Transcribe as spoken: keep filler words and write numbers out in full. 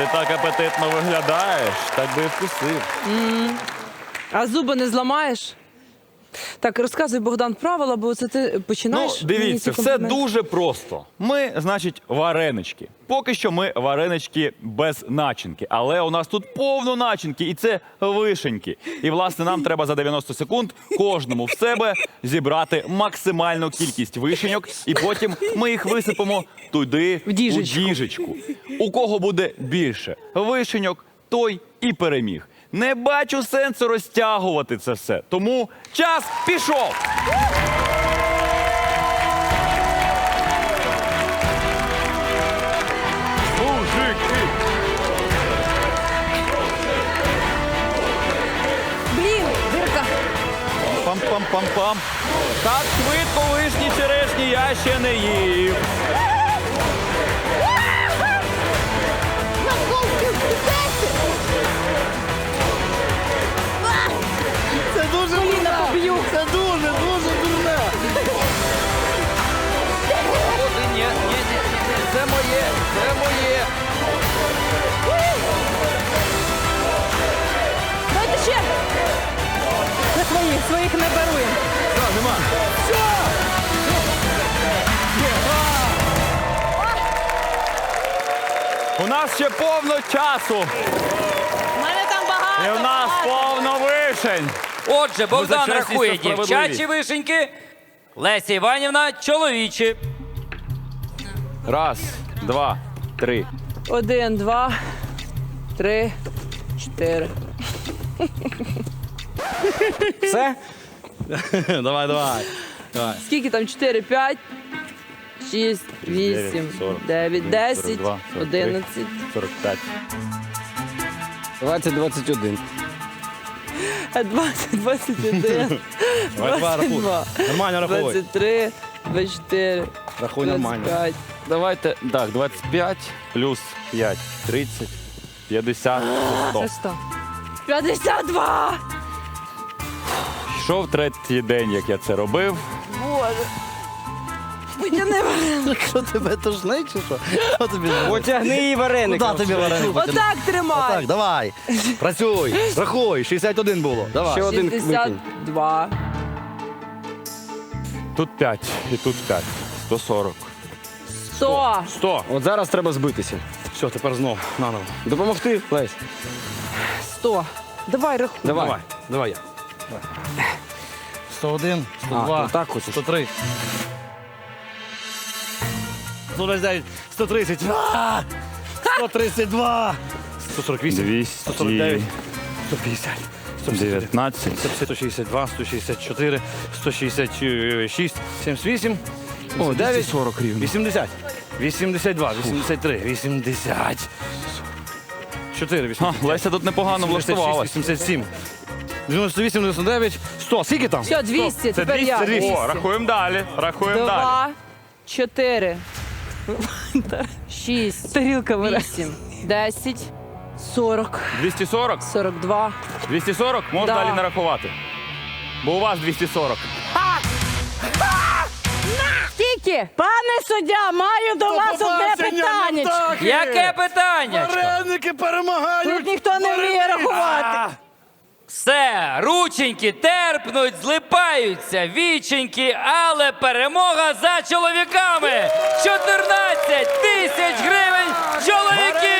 Ти так апетитно виглядаєш, так би і вкусив. А зуби не зламаєш? Так, розказуй, Богдан, правила, бо це ти Ну, починаєш. дивіться, мені ці все компліменти. дуже просто. Ми, значить, варенички. Поки що ми варенички без начинки. Але у нас тут повно начинки, і це вишеньки. І, власне, нам треба за дев'яносто секунд кожному в себе зібрати максимальну кількість вишеньок, і потім ми їх висипемо туди, В діжечку. у діжечку. У кого буде більше вишеньок, той і переміг. Не бачу сенсу розтягувати це все. Тому час пішов! Мужики! Блін, дирка. Пам-пам-пам-пам. Так швидко вишні черешні я ще не їв. Це дуже Коліна дурне. поб'ю. Це дуже, дуже дурне. Ні, ні, ні, ні, це моє, це моє. Давайте ще. Це свої, своїх не беруємо. Все, нема. У нас ще повно часу. У мене там багато. І у нас повно вишень. Отже, Богдан за чесність рахує та справедливість. дівчачі вишеньки, Леся Іванівна чоловічі. Раз, два, три. Один, два, три, чотири. Все? Давай, давай. Давай. Скільки там? Чотири, п'ять, шість, вісім, сорок, дев'ять, десять, сорок два, сорок три. одинадцять. сорок п'ять. двадцять, двадцять один. двадцять, двадцять один, Давай, давай, двадцять рахуй. два, Нормально рахуй. двадцять три, двадцять чотири, Рахуй двадцять нормально. п'ять. Давайте, так, двадцять п'ять плюс п'ять, тридцять, п'ятдесят, сто. Це сто. п'ятдесят два! Йшов третій день, як я це робив. Боже. Потяни вареник. Що тебе тошнить чи що? Що тобі? Потягни її вареник. Куди тобі вареник потягнути? Отак тримай. Так, давай. Працюй. Рахуй. шістдесят один було. Давай. Ще один шістдесят викинь. два. Тут п'ять і тут п'ять. сто сорок. сто. сто. От зараз треба збитися. Все, тепер знов. Наново. Допомогти, Лесь? сто. Давай рахуй. Давай. Давай. Давай я. сто один, сто А, два, ну так хочеш. сто три. сто двадцять дев'ять, сто тридцять. А! сто тридцять два. сто сорок вісім. сто сорок дев'ять. сто п'ятдесят. сто п'ятдесят один. дев'ятнадцять. сто шістдесят два, сто шістдесят чотири, сто шістдесят шість, сімдесят вісім, О, дев'ять, сорок рівно. вісімдесят, вісімдесят два, вісімдесят три, вісімдесят чотири, Ха, вісімдесят Леся тут непогано влаштувалась. вісімдесят сім, дев'яносто вісім, дев'яносто дев'ять, сто. Скільки там? Все, двісті. Це Тепер я. двісті. О, рахуємо далі. Рахуємо далі. Два, чотири, шість, Тарілка бере. вісім, десять, сорок, двісті сорок? сорок два. двісті сорок? Можна Да. далі не рахувати. Бо у вас двісті сорок. Скільки? Пане суддя, маю до вас одне питання. Яке питання? Вареники перемагають! Тут ніхто не вміє рахувати. Все, рученьки терпнуть, злипаються, віченьки, але перемога за чоловіками! чотирнадцять тисяч гривень чоловіків!